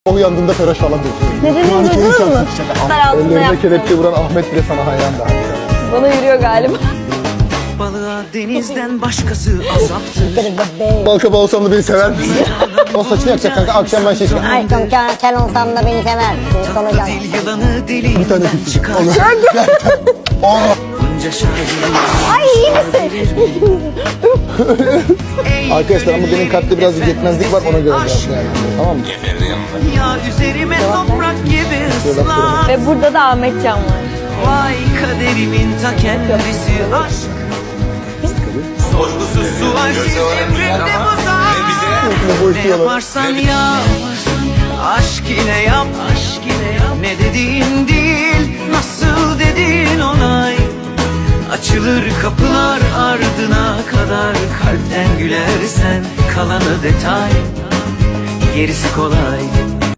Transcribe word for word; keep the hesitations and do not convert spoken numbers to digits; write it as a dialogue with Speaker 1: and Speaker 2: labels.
Speaker 1: O uyandığında Ferhat falan bekliyorum.
Speaker 2: Nedenini duydunuz mu? Dar altında
Speaker 1: Ellerine
Speaker 2: yaptım.
Speaker 1: kelepçe vuran Ahmet bile sana hayran da.
Speaker 2: Bana yürüyor galiba.
Speaker 3: Balığa denizden başkası azaptır.
Speaker 1: Balkaba olsam da beni sever misin? O saçını yakacak kanka, akşam ben şey çıkacağım.
Speaker 4: Aşkım kel, kel olsam da beni sever misin? Solucan.
Speaker 3: Dil yılanı
Speaker 1: Bir tane
Speaker 3: deliğinden
Speaker 1: küçük.
Speaker 3: çıkar.
Speaker 1: Onu. Aa!
Speaker 3: Bunca şahin.
Speaker 2: Ay iyi misin?
Speaker 1: Arkadaşlar ama benim kalpte biraz yetmezlik var, ona göre biraz yani. Tamam mı?
Speaker 3: Ya üzerime toprak gibi ıslan.
Speaker 2: Ve burada da Ahmet Can var.
Speaker 3: Vay kaderimin ta kendisi aşk. Sorgusuz sualsiz emrimde bozar. Ne yaparsan yap, aşk ile yap. Ne dediğin değil, nasıl dediğin onay. Açılır kapılar ardına kadar. Kalpten gülersen kalanı detay. Gerisi kolay.